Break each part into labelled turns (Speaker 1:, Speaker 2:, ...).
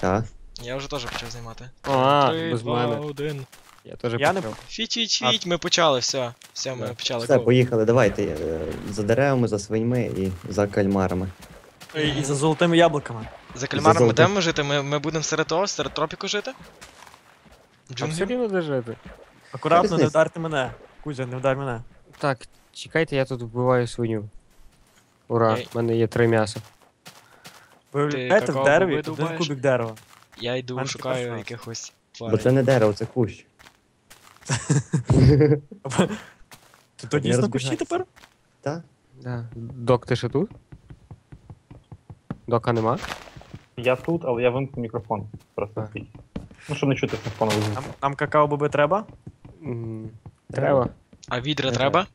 Speaker 1: Так.
Speaker 2: Я вже теж почав знімати.
Speaker 3: А,
Speaker 2: 3,
Speaker 3: без
Speaker 2: 2,
Speaker 3: мене.
Speaker 2: 1.
Speaker 3: Я теж
Speaker 4: Я не-
Speaker 3: почав.
Speaker 2: Фіть, ми почали, все. Все, ми
Speaker 3: Да.
Speaker 2: почали.
Speaker 1: Все,
Speaker 2: Go.
Speaker 1: поїхали, давайте. За деревами, за свиньми і за кальмарами.
Speaker 4: І за золотими яблуками.
Speaker 2: За кальмаром ми
Speaker 1: золотим.
Speaker 2: будемо жити? Ми будемо серед того, серед тропіку жити?
Speaker 3: А все
Speaker 2: Джунглі?
Speaker 3: рівно де жити.
Speaker 4: Акуратно, не
Speaker 1: Різниця.
Speaker 4: вдарте мене. Кузя, не вдар мене.
Speaker 3: Так, чекайте, я тут вбиваю свиню. Ура,
Speaker 2: Ей.
Speaker 3: в мене є 3 м'яса.
Speaker 4: Виявляєте, в
Speaker 2: какао
Speaker 4: дереві
Speaker 2: боби
Speaker 4: один
Speaker 2: добавиш?
Speaker 4: кубик дерева.
Speaker 2: Я йду,
Speaker 4: Мене
Speaker 2: шукаю
Speaker 4: така
Speaker 2: якихось
Speaker 1: Бо
Speaker 2: тварин.
Speaker 1: це не дерево, це кущ.
Speaker 4: Ти то
Speaker 1: Не
Speaker 4: дійсно кущі
Speaker 1: розбігайся.
Speaker 4: тепер?
Speaker 1: Так?
Speaker 3: Да. Док, ти ще тут? Дока нема?
Speaker 5: Я тут, але я вимкну мікрофон. Просто
Speaker 3: А.
Speaker 5: свій. Ну, щоб не чути фоновий звук.
Speaker 4: Нам какао-боби треба?
Speaker 3: Треба.
Speaker 2: А відра
Speaker 1: Не
Speaker 2: треба?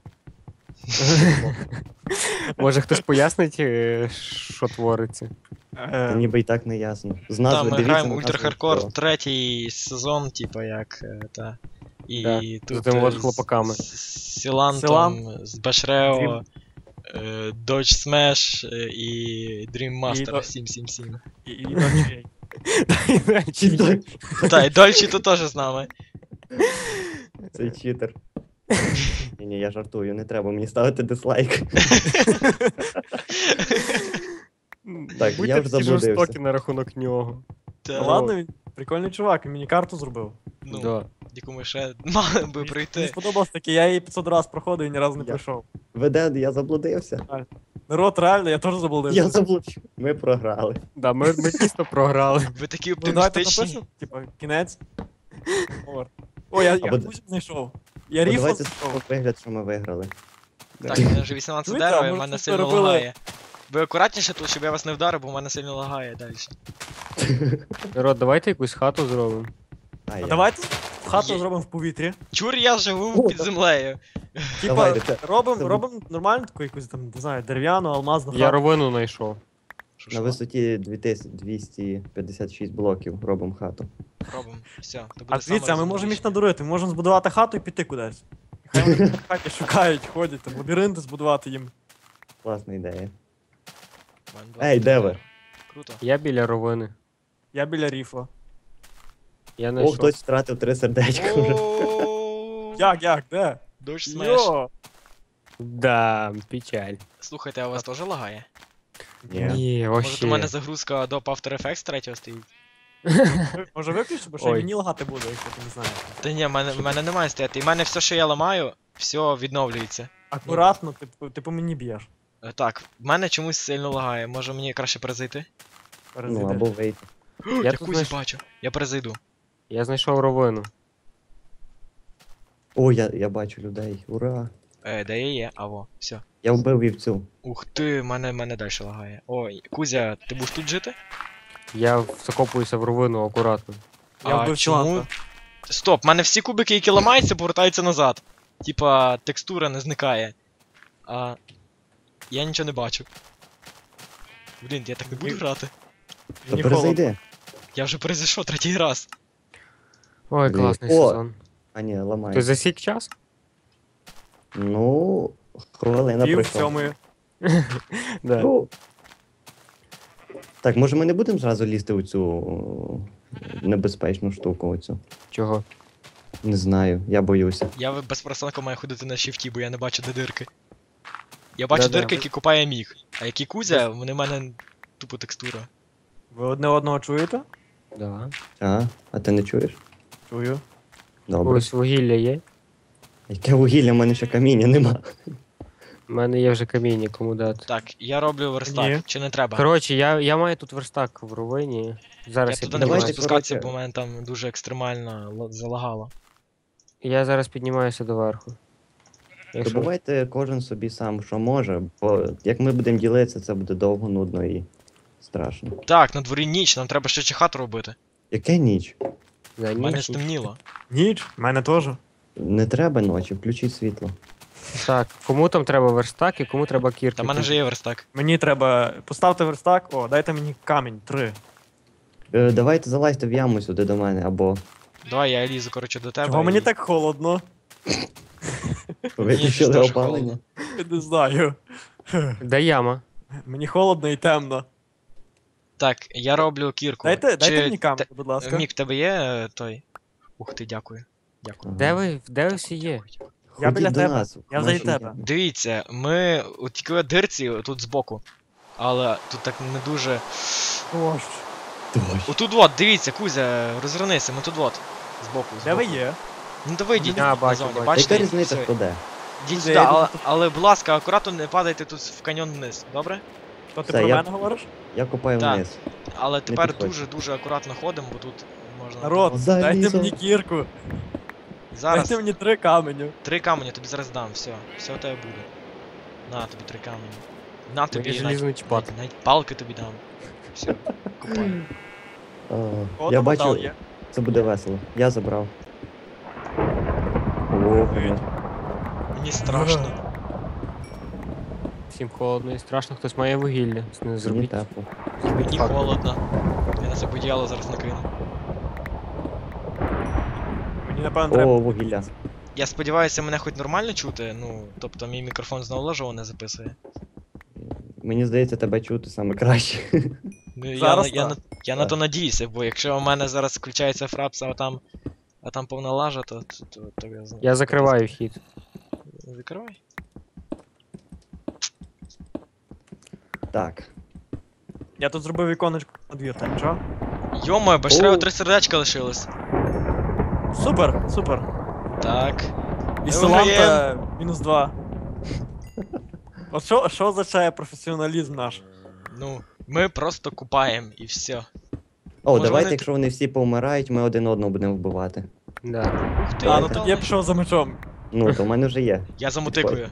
Speaker 3: Може хтось пояснить, що твориться?
Speaker 1: Та ніби і так не ясно. З
Speaker 2: Там
Speaker 1: назви
Speaker 2: ми
Speaker 1: дивіться
Speaker 2: граємо
Speaker 1: на
Speaker 2: Ультра
Speaker 1: назву
Speaker 2: Хардкор,
Speaker 1: всього.
Speaker 2: третій сезон, типа як та. І
Speaker 3: Да,
Speaker 2: тут
Speaker 3: з тими от
Speaker 2: з
Speaker 3: хлопаками.
Speaker 2: Сілантом, з Башрео, Dodge Smash і Dream Master
Speaker 4: до-
Speaker 2: 777.
Speaker 4: І ночей.
Speaker 2: Та, і Дольчі тут теж з нами.
Speaker 1: Цей читер. Ні, я жартую, не треба мені ставити дизлайк. Так,
Speaker 3: Будьте
Speaker 1: я вже
Speaker 3: всі
Speaker 1: заблудився.
Speaker 3: жорстокі на рахунок нього.
Speaker 2: Та,
Speaker 4: Ну ладно, він прикольний чувак, він мені карту зробив.
Speaker 2: ну,
Speaker 3: Да.
Speaker 2: яку ми ще мали би
Speaker 4: Мені
Speaker 2: пройти.
Speaker 4: сподобалось таке, я її 500 раз проходив і ні разу не
Speaker 1: Я-
Speaker 4: пройшов.
Speaker 1: Веде, я заблудився.
Speaker 4: Народ, реально, я теж
Speaker 1: Я
Speaker 4: заблудився.
Speaker 1: заблудився. Ми програли.
Speaker 3: Да, ми дійсно програли.
Speaker 2: Ви такі
Speaker 4: Ну давайте
Speaker 2: оптимістичні.
Speaker 4: напишемо, типа, кінець. О, я
Speaker 1: Або-
Speaker 4: Кузю знайшов. Я
Speaker 1: О,
Speaker 4: ріфл
Speaker 1: давайте
Speaker 4: знайшов.
Speaker 1: вигляд, що ми виграли.
Speaker 2: Так, у мене вже 18
Speaker 4: Чуєте,
Speaker 2: дерева,
Speaker 4: а
Speaker 2: і в
Speaker 4: може
Speaker 2: мене
Speaker 4: тут
Speaker 2: сильно
Speaker 4: робили-
Speaker 2: лагає. Ви акуратніше тут, щоб я вас не вдарив, бо в мене сильно лагає далі.
Speaker 3: Народ, давайте якусь хату зробимо.
Speaker 1: А,
Speaker 4: А
Speaker 1: я.
Speaker 4: давайте хату
Speaker 2: Є.
Speaker 4: зробимо в повітрі.
Speaker 2: Чур, я живу під землею.
Speaker 4: Типа,
Speaker 1: Давайте, це-
Speaker 4: робимо нормальну таку якусь там, не знаю, дерев'яну, алмазну
Speaker 3: Я
Speaker 4: хату.
Speaker 3: ровину знайшов.
Speaker 1: На висоті 2256 блоків робимо хату.
Speaker 2: Робимо. Все, то буде
Speaker 4: А дивіться, а ми можемо їх
Speaker 2: саморозуміюче.
Speaker 4: надурити, ми можемо збудувати хату і піти кудись. І хай вони в хаті шукають, ходять, там лабіринти збудувати їм.
Speaker 1: Класна ідея.
Speaker 2: В мене два
Speaker 1: Ей, де ви?
Speaker 2: дерева. Круто.
Speaker 3: Я біля ровини.
Speaker 4: Я біля ріфла.
Speaker 3: Я
Speaker 1: О,
Speaker 3: знайшов.
Speaker 1: хтось втратив 3 сердечка вже.
Speaker 2: О,
Speaker 4: Як, де?
Speaker 2: Дощ смеш.
Speaker 4: Йо!
Speaker 3: Да, печаль.
Speaker 2: Слухайте, а у вас теж лагає?
Speaker 1: Ні.
Speaker 3: Ні,
Speaker 2: Може, у
Speaker 3: вообще.
Speaker 2: мене загрузка до After Effects 3 стоїть?
Speaker 4: Може виключити, бо ще й
Speaker 3: Ой.
Speaker 4: мені лагати буде, якщо ти не знаєш.
Speaker 2: Та ні, в мене немає стояти. І в мене все, що я ламаю, все відновлюється.
Speaker 4: Акуратно, ти по мені б'єш.
Speaker 2: Так, в мене чомусь сильно лагає. Може мені краще перезайти?
Speaker 1: Ну, або вийти.
Speaker 2: Я
Speaker 3: тут
Speaker 2: Кузю
Speaker 3: знайшов.
Speaker 2: бачу. Я перезайду.
Speaker 3: Я знайшов ровину.
Speaker 1: О, я бачу людей. Ура!
Speaker 2: Де я є? Аво, все.
Speaker 1: Я вбив вівцю.
Speaker 2: Ух ти, мене далі лагає. Ой, Кузя, ти будеш тут жити?
Speaker 3: Я закопуюся в ровину акуратно.
Speaker 4: Я вбив чому?
Speaker 2: Стоп, в мене всі кубики, які ламаються, повертаються назад. Типа, текстура не зникає. А. Я нічого не бачу. Блін, я так не буду грати.
Speaker 1: То
Speaker 4: Мені
Speaker 1: перезайди.
Speaker 2: Я вже перезайшов третій раз.
Speaker 3: Ой,
Speaker 1: Блін.
Speaker 3: класний
Speaker 1: О!
Speaker 3: сезон.
Speaker 1: А ні, ламай.
Speaker 3: Ти засік час?
Speaker 1: Ну, хвилина
Speaker 4: Пів
Speaker 1: пройшла.
Speaker 4: сьомої.
Speaker 3: Да.
Speaker 1: Ну. Так, може ми не будемо зразу лізти у цю небезпечну штуку оцю?
Speaker 3: Чого?
Speaker 1: Не знаю, я боюся.
Speaker 2: Я безпростанку маю ходити на шифті, бо я не бачу, де дирки. Я бачу
Speaker 3: Да-да.
Speaker 2: дирки, які купає міг. А які Кузя, вони в мене тупо текстура.
Speaker 4: Ви одне одного чуєте?
Speaker 3: Да.
Speaker 1: А ти не чуєш?
Speaker 4: Чую.
Speaker 1: Добре.
Speaker 3: Ось вугілля є.
Speaker 1: Яке вугілля, в мене ще каміння нема.
Speaker 3: У мене є вже каміння, кому дати.
Speaker 2: Так, я роблю верстак,
Speaker 4: Ні.
Speaker 2: чи не треба?
Speaker 3: Коротше, я маю тут верстак в ровині.
Speaker 2: Я
Speaker 3: Зараз я,
Speaker 2: туди не можу
Speaker 1: Давайте,
Speaker 3: піднімаюся.
Speaker 2: спускатися,
Speaker 1: коротше.
Speaker 2: бо в мене там дуже екстремально залагало.
Speaker 3: Я зараз піднімаюся доверху. Якщо...
Speaker 1: Добувайте кожен собі сам, що може, бо як ми будемо ділитися, це буде довго, нудно і страшно.
Speaker 2: Так, на дворі ніч, нам треба ще хату робити.
Speaker 1: Яке ніч?
Speaker 3: Да,
Speaker 2: В мене
Speaker 3: ні.
Speaker 2: стемніло.
Speaker 4: Ніч, в мене теж.
Speaker 1: Не треба ночі, включіть світло.
Speaker 3: Так, кому там треба верстак і кому треба кірки?
Speaker 2: Та в мене вже є верстак.
Speaker 4: Мені треба. Поставте верстак, о, дайте мені камінь, 3.
Speaker 1: Давайте залазьте в яму сюди до мене, або
Speaker 2: Давай я лізу, коротше, до тебе.
Speaker 4: Чого мені
Speaker 2: і-
Speaker 4: так холодно?
Speaker 1: виключили
Speaker 2: теж
Speaker 1: опалення.
Speaker 4: Я не знаю.
Speaker 3: Де яма?
Speaker 4: Мені холодно і темно.
Speaker 2: Так, я роблю кірку.
Speaker 4: Дайте
Speaker 2: Чи
Speaker 4: мені камеру, будь ласка.
Speaker 2: Мік, в тебе є той? Ух ти, дякую. Дякую.
Speaker 1: Ага.
Speaker 3: Де ви всі є?
Speaker 4: Я біля
Speaker 1: Ходіть до
Speaker 4: тебе.
Speaker 1: нас,
Speaker 4: Я
Speaker 1: наші
Speaker 4: взагалі тебе.
Speaker 1: є.
Speaker 2: Дивіться, ми у тільки дирці тут збоку. Але тут так не дуже.
Speaker 4: Дощ.
Speaker 2: Отут от, дивіться, Кузя, розвернися, ми тут от. Збоку.
Speaker 4: Де ви
Speaker 2: збоку.
Speaker 4: є?
Speaker 2: Ну то вийдіть
Speaker 3: А,
Speaker 2: на
Speaker 3: бачу,
Speaker 2: зоні,
Speaker 3: бачу.
Speaker 2: бачите?
Speaker 1: Яка різниця,
Speaker 2: Все.
Speaker 1: хто де?
Speaker 2: Йдіть
Speaker 4: Де
Speaker 2: сюди,
Speaker 4: я
Speaker 2: але, будь ласка, акуратно не падайте тут в каньйон вниз, добре?
Speaker 4: То ти
Speaker 1: Все,
Speaker 4: про
Speaker 1: я-
Speaker 4: мене говориш?
Speaker 1: Я копаю
Speaker 2: Так.
Speaker 1: вниз.
Speaker 2: Але тепер
Speaker 1: підходь.
Speaker 2: дуже акуратно ходимо, бо тут можна.
Speaker 4: Народ,
Speaker 1: Залізо.
Speaker 4: дайте мені кірку.
Speaker 2: Зараз
Speaker 4: Дайте мені 3 каменю.
Speaker 2: 3 камені тобі зараз дам, все. Все у тебе буде. На тобі 3 камені. На тобі
Speaker 3: Мені желізно чіпати.
Speaker 2: навіть палки тобі дам. Все, купай.
Speaker 4: О,
Speaker 1: Я
Speaker 4: там метал
Speaker 1: бачу,
Speaker 4: є.
Speaker 1: це буде весело. Я забрав. О, блін.
Speaker 2: Мені страшно.
Speaker 3: Всім холодно і страшно, хтось має вугілля. Не
Speaker 1: Мені
Speaker 3: зробіть.
Speaker 1: тепло.
Speaker 3: Зробіть
Speaker 2: Мені
Speaker 3: факел.
Speaker 2: холодно. Я на себе одіяло зараз накину.
Speaker 4: Мені напевно треба.
Speaker 1: О, вугілля.
Speaker 2: Я сподіваюся, мене хоч нормально чути, ну, тобто мій мікрофон знову налажово не записує.
Speaker 1: Мені здається, тебе чути саме краще.
Speaker 2: Ну,
Speaker 4: Зараз
Speaker 2: я
Speaker 4: так.
Speaker 2: на то надіюся, бо якщо у мене зараз включається фрапс, а там повна лажа, то я знаю.
Speaker 3: Я закриваю вхід.
Speaker 2: Закривай.
Speaker 1: Так.
Speaker 4: Я тут зробив віконечко на двір, так що?
Speaker 2: Йомо, Башрео
Speaker 1: О.
Speaker 2: 3 сердечка лишилось.
Speaker 4: Супер, супер.
Speaker 2: Так.
Speaker 4: І
Speaker 2: Ми
Speaker 4: Соланта -2. От що означає професіоналізм наш?
Speaker 2: Ну, ми просто купаємо і все.
Speaker 1: О,
Speaker 2: Може,
Speaker 1: давайте,
Speaker 2: вони-
Speaker 1: якщо вони всі повмирають, ми один одного будемо вбивати.
Speaker 3: Да.
Speaker 2: Ух ти,
Speaker 4: А, ну
Speaker 2: метал
Speaker 4: тоді я
Speaker 2: знайшов.
Speaker 4: пішов за мечом.
Speaker 1: Ну, то в мене вже є.
Speaker 2: Я замотикую.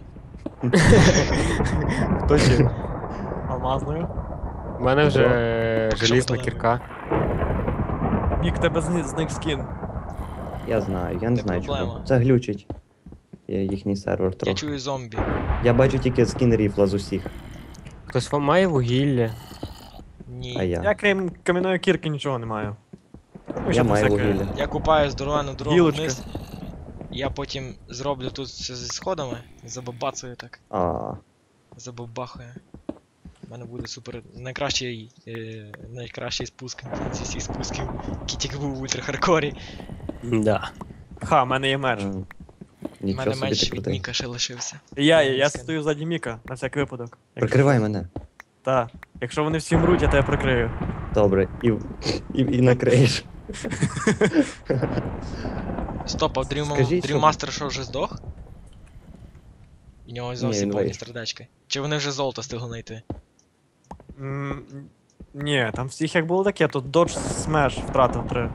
Speaker 3: Хто ще?
Speaker 4: Алмазною.
Speaker 3: У мене вже
Speaker 2: Що
Speaker 3: желізна
Speaker 2: металевий?
Speaker 3: кірка.
Speaker 4: Мік, тебе зник скін.
Speaker 1: Я знаю, я не
Speaker 2: Не
Speaker 1: знаю
Speaker 2: проблема.
Speaker 1: чого. Це глючить. Їхній сервер
Speaker 2: Я
Speaker 1: трохи.
Speaker 2: чую зомбі.
Speaker 1: Я бачу тільки скін ріфла з усіх,
Speaker 3: Хтось вам має вугілля.
Speaker 2: Ні.
Speaker 1: а я.
Speaker 4: Я крім кам'яної кірки нічого не маю. Ну, ще
Speaker 1: Я маю
Speaker 4: всяке.
Speaker 1: вугілля.
Speaker 2: Я купаю здоровену дорогу
Speaker 4: Гілочка.
Speaker 2: вниз. Я потім зроблю тут все зі сходами, забабацаю так,
Speaker 1: А,
Speaker 2: забабахаю. У мене буде супер найкращий спуск зі всіх спусків, який тільки був в ультрахардкорі.
Speaker 3: Да.
Speaker 4: Ха, в мене є меч.
Speaker 1: а.
Speaker 2: У
Speaker 1: Нічого
Speaker 2: мене
Speaker 1: собі
Speaker 2: меч
Speaker 1: ти
Speaker 2: від
Speaker 1: крутий.
Speaker 2: Міка ще лишився.
Speaker 4: Я стою ззаді Міка, на всякий випадок.
Speaker 1: Прикривай мене.
Speaker 4: Так. Якщо вони всі мруть, я тебе прикрию.
Speaker 1: Добре, і накриєш.
Speaker 2: Стоп, а
Speaker 1: Скажіть, що-
Speaker 2: Дріммастер що вже здох? У нього зовсім
Speaker 1: він
Speaker 2: повні
Speaker 1: вийшов.
Speaker 2: сердечки. Чи вони вже золото встигли знайти?
Speaker 4: Ні, там всіх як було таке, тут Dodge Smash втратив 3.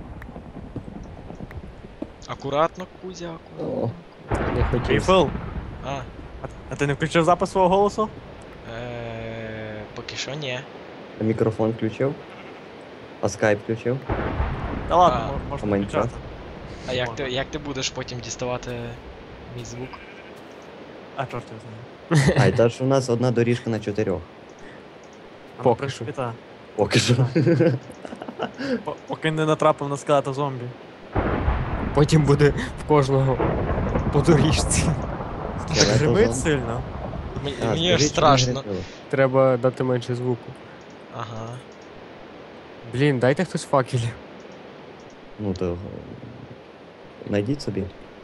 Speaker 2: Акуратно, Кузя, акуратно.
Speaker 1: О,
Speaker 3: Не хотів.
Speaker 4: Ріфл,
Speaker 2: А,
Speaker 4: а ти не включив запис свого голосу?
Speaker 2: поки що ні.
Speaker 1: а мікрофон включив? А скайп включив?
Speaker 4: Та ладно,
Speaker 2: А,
Speaker 4: можна
Speaker 1: Майнкрафт.
Speaker 4: включати.
Speaker 2: А як ти будеш потім діставати мій звук?
Speaker 4: А, чорт його знає.
Speaker 1: А, і та ж у нас одна доріжка на 4.
Speaker 4: А, ну,
Speaker 3: Поки
Speaker 4: в принципі, та.
Speaker 1: Поки що.
Speaker 4: Поки не натрапив на скелета зомбі.
Speaker 3: Потім буде в кожного по доріжці.
Speaker 4: Так
Speaker 1: Скелета
Speaker 4: гримить
Speaker 1: зомбі.
Speaker 4: сильно.
Speaker 2: Мені
Speaker 1: А,
Speaker 2: аж
Speaker 1: скажіть, що не
Speaker 2: страшно.
Speaker 1: грибили.
Speaker 3: Треба дати менше звуку.
Speaker 2: Ага.
Speaker 3: Блін, дайте хтось факелів.
Speaker 1: Ну то. Найдіть собі.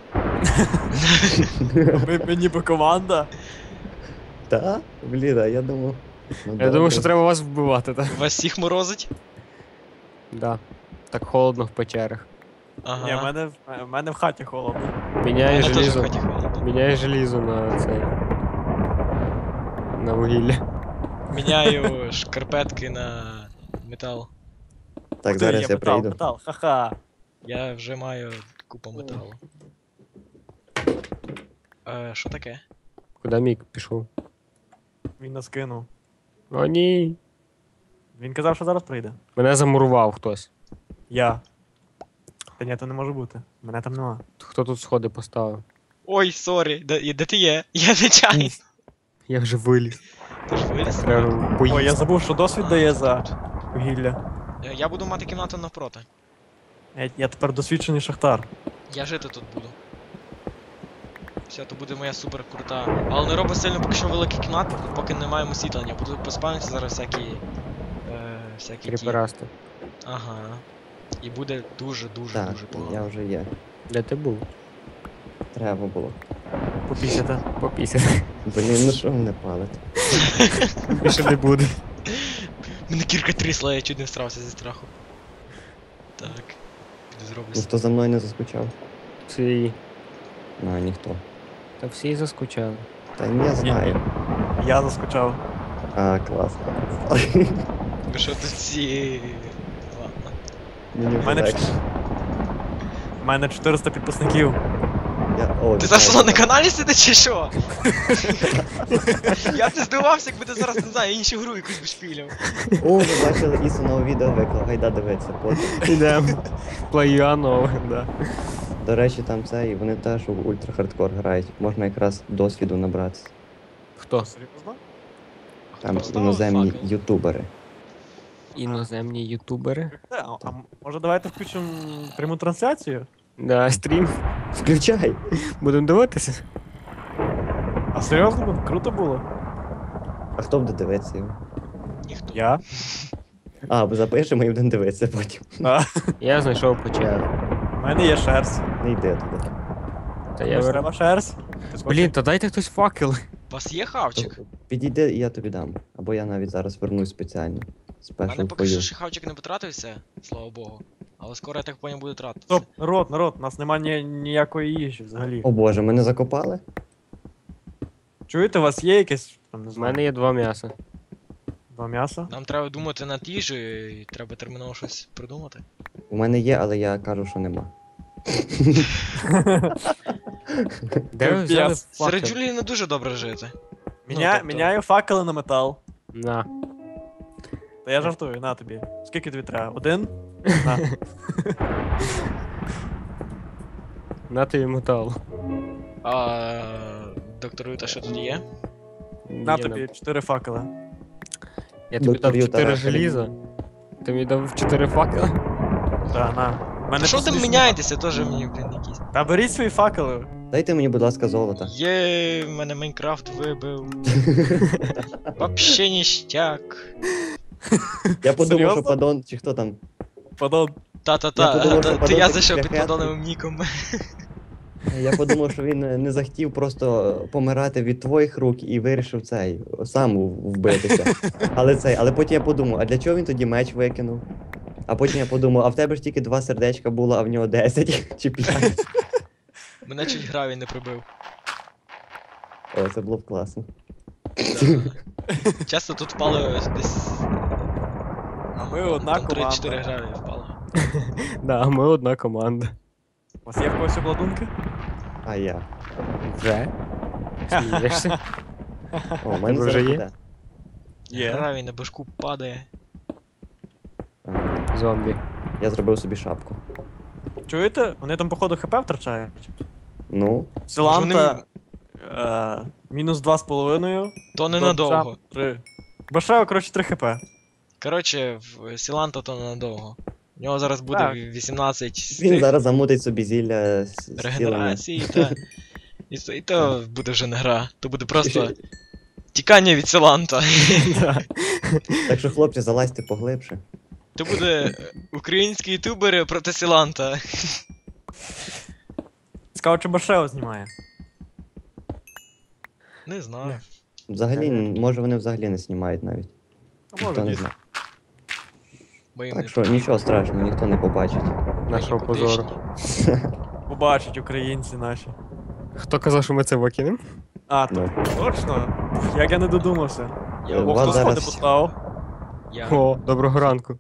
Speaker 4: Ми ніби команда.
Speaker 1: Та? Блін, а я думав. Ну,
Speaker 3: Я
Speaker 1: добре.
Speaker 3: думаю, що треба вас вбивати, так?
Speaker 2: Вас всіх морозить?
Speaker 3: Да. Так холодно в печерах.
Speaker 2: Ага.
Speaker 4: Ні, в мене в хаті холодно.
Speaker 3: Міняє
Speaker 2: Мене теж в
Speaker 3: желізо.
Speaker 2: хаті холодно.
Speaker 3: Міняє желізо на цей. На вугілля.
Speaker 2: Міняю шкарпетки на метал.
Speaker 1: Так,
Speaker 4: Ти,
Speaker 1: зараз
Speaker 4: є
Speaker 1: я
Speaker 4: метал,
Speaker 1: прийду.
Speaker 4: метал, ха-ха.
Speaker 2: Я вже маю купу металу. Що таке?
Speaker 3: Куди Мік пішов?
Speaker 4: Він нас кинув.
Speaker 3: О, ні.
Speaker 4: Він казав, що зараз прийде.
Speaker 3: Мене замурував хтось.
Speaker 4: Я. Та ні, то не може бути. Мене там нема.
Speaker 3: Хто тут сходи поставив?
Speaker 2: Ой, сорі, де ти є? Я нечайно.
Speaker 3: Я вже виліз.
Speaker 2: Ти ж виліз?
Speaker 3: Треба
Speaker 4: Ой, я
Speaker 3: поїсти.
Speaker 4: забув, що досвід дає за вугілля.
Speaker 2: Я буду мати кімнату навпроти.
Speaker 4: Я тепер досвідчений шахтар.
Speaker 2: Я жити тут буду. Все, то буде моя супер крута. Але не роби сильно поки що великий кімнат, поки не маємо освітлення. Буду поспавнитися зараз всякі всякі ті.
Speaker 3: Кріперасти.
Speaker 2: Ага. І буде дуже-дуже
Speaker 1: Так,
Speaker 2: дуже погано.
Speaker 1: я вже є.
Speaker 3: Де ти був?
Speaker 1: Треба було.
Speaker 4: Попісяти.
Speaker 3: Попісяти.
Speaker 1: Блін, ну що мене палить?
Speaker 3: Більше не буде.
Speaker 2: Мене кірка трісла, я чуть не всрався зі страху. Так. Піду зроблю.
Speaker 1: Ну хто за мною не заскучав?
Speaker 3: Всі.
Speaker 1: А, ніхто.
Speaker 3: Та всі заскучали.
Speaker 1: Та ні, я знаю.
Speaker 4: Я заскучав.
Speaker 1: А, класно.
Speaker 2: Ви що тут всі... Ладно.
Speaker 1: Мені
Speaker 4: У
Speaker 1: вже
Speaker 4: мене,
Speaker 1: легше.
Speaker 4: у мене 400 підписників.
Speaker 1: О,
Speaker 2: Ти
Speaker 1: вітаю.
Speaker 2: зараз на каналі сидиш чи що? Я б не здивувався, якби ти зараз, не знаю, іншу гру якусь би шпіляв.
Speaker 1: О, ви бачили Ісу нове відео виклав, гайда дивитися потім.
Speaker 3: Ідемо. Плеюано, да.
Speaker 1: До речі, там це, і вони теж у ультра-хардкор грають. Можна якраз досвіду набратися.
Speaker 3: Хто?
Speaker 4: Серйозно?
Speaker 1: Там
Speaker 2: Поставив
Speaker 1: іноземні
Speaker 2: факел?
Speaker 1: ютубери.
Speaker 3: Іноземні ютубери.
Speaker 4: А може давайте включимо пряму трансляцію?
Speaker 3: Да, стрім.
Speaker 1: Включай!
Speaker 3: Будемо дивитися.
Speaker 4: А серйозно буде? Круто було?
Speaker 1: А хто буде дивитися його?
Speaker 2: Ніхто.
Speaker 4: Я?
Speaker 1: А, бо запишемо і будемо дивитися потім.
Speaker 3: Я знайшов печеру.
Speaker 4: У мене є шерсть.
Speaker 1: Не йди туди.
Speaker 3: Та я
Speaker 4: Комусь
Speaker 3: вер...
Speaker 4: треба шерсть?
Speaker 3: Блін, та дайте хтось факел.
Speaker 2: У вас є хавчик?
Speaker 1: Підійди, і я тобі дам. Або я навіть зараз вернусь спеціально.
Speaker 2: У
Speaker 1: Спешл
Speaker 2: мене поки що
Speaker 1: фою.
Speaker 2: ще хавчик не потратився, слава Богу. Але скоро я так поняв буде тратитися.
Speaker 4: Стоп, народ, у нас немає ніякої їжі взагалі.
Speaker 1: О боже, мене закопали?
Speaker 4: Чуєте, у вас є якесь, там, не
Speaker 3: У
Speaker 4: знаю,
Speaker 3: мене є 2 м'яса.
Speaker 4: 2 м'яса?
Speaker 2: Нам треба думати над їжею і треба терміново щось придумати.
Speaker 1: У мене є, але я кажу, що нема.
Speaker 3: Де ви взяли
Speaker 4: Капець.
Speaker 2: Серед
Speaker 3: факел?
Speaker 2: Джулії не дуже добре жити.
Speaker 4: Міняю, міняю факели на метал.
Speaker 3: На.
Speaker 4: Та я жартую, на тобі. Скільки тобі треба? 1? На.
Speaker 3: На тобі метал.
Speaker 2: А доктор Юта, що тут є?
Speaker 4: На тобі 4 факели.
Speaker 3: Я тобі
Speaker 1: Доктор
Speaker 3: дав
Speaker 1: Юта
Speaker 3: 4
Speaker 1: Рахель.
Speaker 3: желіза. Ти мені дав 4 факела.
Speaker 4: Та, на. У мене
Speaker 2: Що там
Speaker 4: смішно.
Speaker 2: міняєтеся, теж мені, блін, якісь.
Speaker 4: Та беріть свої факели.
Speaker 1: Дайте мені, будь ласка, золото.
Speaker 2: Є, мене Майнкрафт вибив. Вообще ніштяк.
Speaker 1: Я подумав,
Speaker 4: Серйозно?
Speaker 1: що падон, чи хто там.
Speaker 4: Падон.
Speaker 2: Та-та-та,
Speaker 1: Я подумав, що
Speaker 2: то я
Speaker 1: подобається
Speaker 2: зайшов під
Speaker 1: шляхетний.
Speaker 2: подонним ніком.
Speaker 1: Я подумав, що він не захотів просто помирати від твоїх рук і вирішив цей сам вбитися. Але потім я подумав, а для чого він тоді меч викинув? А потім я подумав, а в тебе ж тільки 2 сердечка було, а в нього 10 чи 5.
Speaker 2: Мене чуть гравій не прибив.
Speaker 1: О, це було б класно.
Speaker 2: Да. Часто тут впали десь.
Speaker 4: А ми одна
Speaker 2: там 3-4
Speaker 4: команда.
Speaker 2: гравії впало.
Speaker 3: Да, ми одна команда.
Speaker 4: У вас є в когось обладунки?
Speaker 1: А я.
Speaker 3: Вже? Смієшся?
Speaker 1: О, у мене
Speaker 3: Тебе вже
Speaker 1: зараз
Speaker 3: є?
Speaker 1: буде.
Speaker 4: Є.
Speaker 2: Гравій на башку падає.
Speaker 1: Ага.
Speaker 3: Зомбі.
Speaker 1: Я зробив собі шапку.
Speaker 4: Чуєте? Вони там, походу, хп втрачають.
Speaker 1: Ну,
Speaker 4: Силанта. Мінус 2,5.
Speaker 2: То ненадовго.
Speaker 4: 3. Башео, коротше, 3 хп.
Speaker 2: Коротше, в Сіланта то ненадовго. У нього зараз буде
Speaker 4: Так.
Speaker 2: 18 з
Speaker 1: він
Speaker 2: цих
Speaker 1: зараз замутить собі зілля зцілення.
Speaker 2: регенерацій, та. І то буде вже не гра. То буде просто тікання від Сіланта.
Speaker 1: Так що, хлопці, залазьте поглибше.
Speaker 2: То буде українські ютубери проти Сіланта.
Speaker 4: Цікаво, чи Башео знімає.
Speaker 2: Не знаю.
Speaker 1: Взагалі, може вони взагалі не знімають навіть.
Speaker 4: А
Speaker 1: Ніхто
Speaker 4: може,
Speaker 1: не
Speaker 4: ні.
Speaker 1: знає.
Speaker 2: Бо їм
Speaker 1: Так
Speaker 2: не
Speaker 1: що нічого страшного, ніхто не побачить.
Speaker 3: Нашого
Speaker 2: Мені
Speaker 3: позору.
Speaker 2: потишні.
Speaker 4: Побачать українці наші.
Speaker 3: Хто казав, що ми це викинемо?
Speaker 4: А,
Speaker 1: Ну.
Speaker 4: точно? Як я не додумався.
Speaker 2: Я,
Speaker 1: У
Speaker 4: О,
Speaker 1: вас
Speaker 4: хто сходи
Speaker 1: зараз-
Speaker 4: поставив?
Speaker 2: я,
Speaker 3: О, доброго ранку.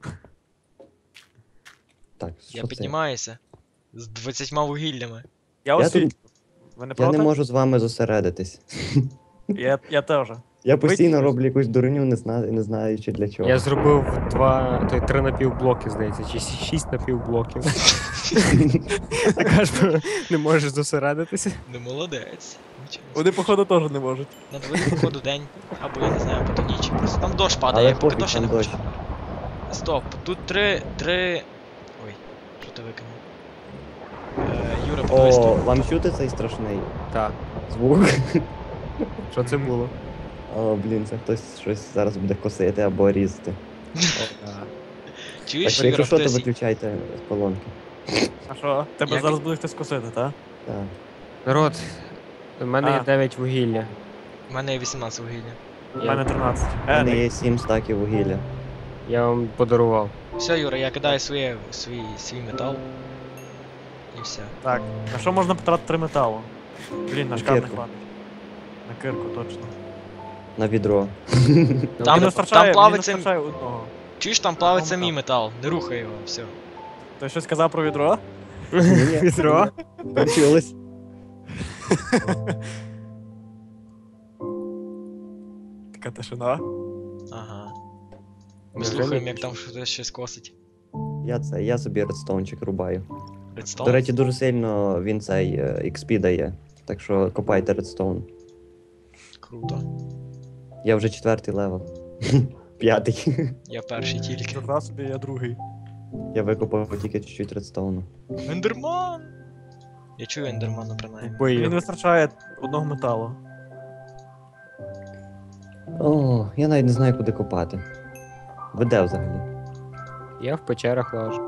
Speaker 1: Так,
Speaker 2: я
Speaker 1: що це?
Speaker 2: піднімаюся. З 20 вугіллями.
Speaker 4: Я
Speaker 1: Я
Speaker 4: освітлю. Ви не
Speaker 1: Я
Speaker 4: проти?
Speaker 1: не можу з вами зосередитись.
Speaker 4: Я теж.
Speaker 1: Я постійно
Speaker 4: Витягнеш?
Speaker 1: роблю якусь дурню, не знаючи для чого.
Speaker 3: Я зробив 3 напівблоки, здається, чи 6 напівблоків. Така ж не можеш зосередитися.
Speaker 2: Не молодець. Нічого.
Speaker 4: Вони, походу, теж не можуть.
Speaker 2: На дворі, походу, день. Або я не знаю, або то ніч. Просто там дощ падає,
Speaker 1: Але
Speaker 2: я поки
Speaker 1: пофіг,
Speaker 2: дощ
Speaker 1: там
Speaker 2: не
Speaker 1: дощ.
Speaker 2: хочу. Стоп, тут три. Ой, що ти викинув? Юра, подивись
Speaker 1: О,
Speaker 2: тут.
Speaker 1: вам чути цей страшний
Speaker 3: Так.
Speaker 1: звук?
Speaker 3: Що це було?
Speaker 1: О, блін, це хтось щось зараз буде косити або різати.
Speaker 2: Чуєш,
Speaker 1: Так, якщо
Speaker 2: Юра,
Speaker 1: що, то
Speaker 2: хтось...
Speaker 1: виключайте колонки.
Speaker 4: А що? Тебе
Speaker 2: Як-
Speaker 4: зараз буде хтось косити, так?
Speaker 1: Так.
Speaker 3: Народ, у мене є
Speaker 4: А.
Speaker 3: 9 вугілля.
Speaker 2: У мене є 18 вугілля.
Speaker 4: У мене 13.
Speaker 1: У мене є 7 стаків вугілля.
Speaker 3: Я вам подарував.
Speaker 2: Все, Юра, я кидаю свій метал. І все.
Speaker 4: Так, на що можна потратити 3 металу? Блін, на
Speaker 1: На
Speaker 4: шкаф не
Speaker 1: кирку.
Speaker 4: хватить. На кирку, точно.
Speaker 1: На відро.
Speaker 2: Там-
Speaker 4: Мені не вистачає, мені
Speaker 2: плавиться-
Speaker 4: не вистачає одного.
Speaker 2: Чуєш, там плавиться
Speaker 4: Одного
Speaker 2: мій метал, не рухай його, все.
Speaker 4: Ти щось сказав про відро?
Speaker 1: Ні-ні.
Speaker 3: Відро?
Speaker 1: Почулось.
Speaker 4: Така тишина.
Speaker 2: Ага. Ми
Speaker 3: Невже
Speaker 2: слухаємо,
Speaker 3: не
Speaker 2: як там щось косить.
Speaker 1: Я собі редстоунчик рубаю.
Speaker 2: Редстоун?
Speaker 1: До речі, дуже сильно він цей XP дає. Так що копайте редстоун.
Speaker 2: Круто.
Speaker 1: Я вже 4-й левел. 5-й.
Speaker 2: Я перший тільки.
Speaker 4: Жодна собі, я другий.
Speaker 1: Я викопав тільки чуть-чуть редстоуну.
Speaker 2: Ендерман! Я чую ендермана принаймні.
Speaker 4: Мені
Speaker 3: Бою.
Speaker 4: не вистачає одного металу.
Speaker 1: О, я навіть не знаю, куди копати. Ви де взагалі?
Speaker 3: Я в печерах лажу.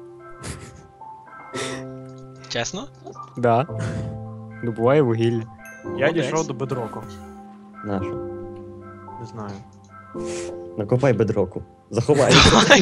Speaker 2: Чесно?
Speaker 3: Да. Добуваю вугілля.
Speaker 4: Я
Speaker 2: Молодець.
Speaker 4: дійшов до бедроку.
Speaker 1: Нашу.
Speaker 4: Не знаю.
Speaker 1: Накопай бедроку. Заховай.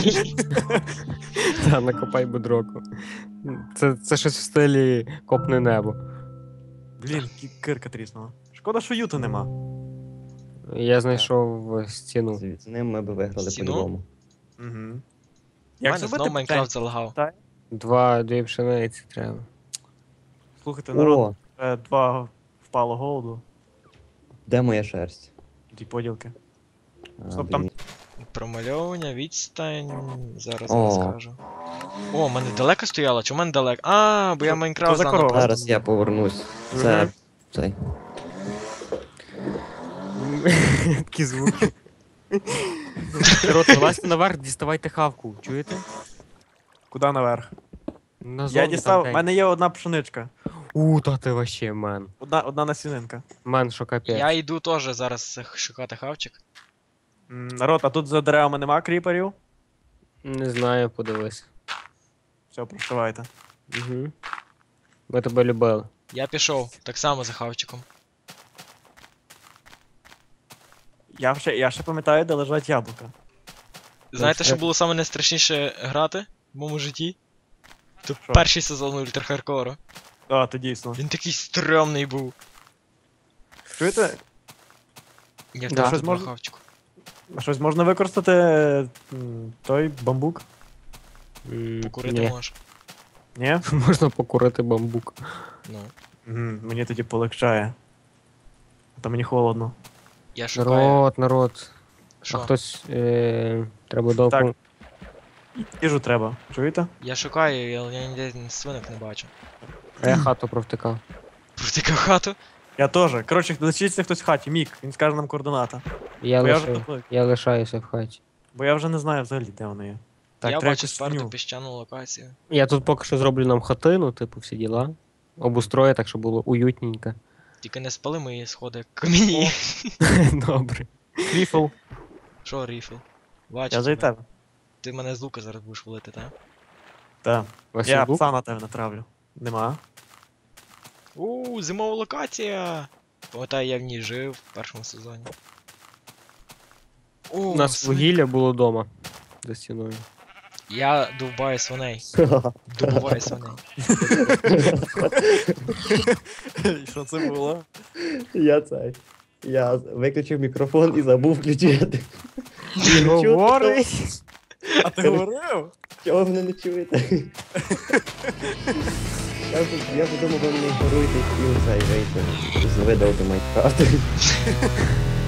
Speaker 3: Та, накопай бедроку. Це щось в стилі копне небо.
Speaker 4: Блін, кирка тріснула. Шкода, що юта нема.
Speaker 3: Я знайшов стіну.
Speaker 1: З ним ми б виграли
Speaker 2: Стіну?
Speaker 1: по-любому.
Speaker 4: Угу.
Speaker 2: У
Speaker 4: Як
Speaker 2: мене
Speaker 4: зробити
Speaker 2: знов Майнкрафт залагав.
Speaker 3: Дві пшениці треба.
Speaker 4: Слухайте, народ,
Speaker 1: О,
Speaker 4: 2 впало голоду.
Speaker 1: де моя шерсть?
Speaker 4: Ті поділки.
Speaker 1: А,
Speaker 4: Стоп, там-
Speaker 1: блін.
Speaker 2: Промальовування, відстань. Зараз
Speaker 1: О.
Speaker 2: я скажу. О, в мене далеко стояло? Чи в мене далеко? А, бо я
Speaker 4: Що
Speaker 2: Майнкрафт
Speaker 4: за
Speaker 2: заново
Speaker 4: корова?
Speaker 2: просто-
Speaker 1: Зараз я повернусь. Це
Speaker 3: Мгм.
Speaker 1: цей.
Speaker 3: Такі звуки. Народ, вилазьте наверх, діставайте хавку. Чуєте?
Speaker 4: Куди наверх?
Speaker 3: Назовні
Speaker 4: Я
Speaker 3: там
Speaker 4: дістав, в
Speaker 3: день.
Speaker 4: мене є одна пшеничка.
Speaker 3: Та ти вообще, мен.
Speaker 4: Одна насінинка.
Speaker 3: Мен, що капець.
Speaker 2: Я йду теж зараз шукати хавчик.
Speaker 4: Народ, а тут за деревами нема кріперів?
Speaker 3: Не знаю, подивись.
Speaker 4: Все, прощавайте.
Speaker 3: Угу. Ми тебе любили.
Speaker 2: Я пішов, так само за хавчиком.
Speaker 4: Я ще пам'ятаю, де лежать яблука.
Speaker 2: Знаєте,
Speaker 3: це-
Speaker 2: що було саме найстрашніше грати в моєму житті? Це
Speaker 4: Що?
Speaker 2: перший сезон Ультра Хардкору.
Speaker 4: А, то дійсно.
Speaker 2: Він такий стрьомний був.
Speaker 4: Чуєте?
Speaker 2: Я
Speaker 3: Да.
Speaker 2: в
Speaker 4: Щось
Speaker 2: тебе
Speaker 4: можна-
Speaker 2: хавчику.
Speaker 4: А щось можна використати той бамбук?
Speaker 2: Покурити
Speaker 3: Ні.
Speaker 2: можеш.
Speaker 4: Ні?
Speaker 3: Можна покурити бамбук.
Speaker 2: Ну.
Speaker 4: Мені тоді полегчає. А то мені холодно.
Speaker 2: Я шукаю.
Speaker 3: Народ.
Speaker 2: Що?
Speaker 3: А хтось треба довго.
Speaker 4: Так. Їжу треба. Чуєте?
Speaker 2: Я шукаю, але я ніде свинок не бачу.
Speaker 3: А я хату провтикав.
Speaker 2: Протикав хату.
Speaker 4: Я теж. Коротше, лишиться хтось в хаті. Мік, він скаже нам координата.
Speaker 3: Я,
Speaker 4: Бо я вже
Speaker 3: лиша...
Speaker 4: тут-
Speaker 3: я лишаюся в хаті.
Speaker 4: Бо я вже не знаю взагалі, де вони є. Так,
Speaker 2: Я
Speaker 4: треба
Speaker 2: бачу
Speaker 4: якусь
Speaker 2: сперту
Speaker 4: свиню.
Speaker 2: піщану локацію.
Speaker 3: Я тут поки що зроблю нам хатину, типу, всі діла. Обустрою, так, щоб було уютненько.
Speaker 2: Тільки не спали мої сходи камені.
Speaker 3: Добре.
Speaker 4: Ріфл.
Speaker 2: Що, ріфл? Бачу.
Speaker 4: Я за
Speaker 2: тебе.
Speaker 4: тебе.
Speaker 2: Ти мене з лука зараз будеш валити, так?
Speaker 4: Так.
Speaker 3: Василь
Speaker 4: Я
Speaker 3: Бук?
Speaker 4: пса на тебе натравлю. Нема.
Speaker 2: Зимова локація! Пам'ятаю, я в ній жив в першому сезоні.
Speaker 3: У нас вугілля було вдома. За стіною.
Speaker 2: Я довбаю свиней. Добуваю свиней.
Speaker 4: Що це було?
Speaker 1: Я виключив мікрофон і забув включити.
Speaker 3: Говорить.
Speaker 4: А ти говорив?
Speaker 1: Чого ви мене не чуєте? Я подумав, ви мене ігноруєте і хотів цей вийти. Видавати Майнкрафт.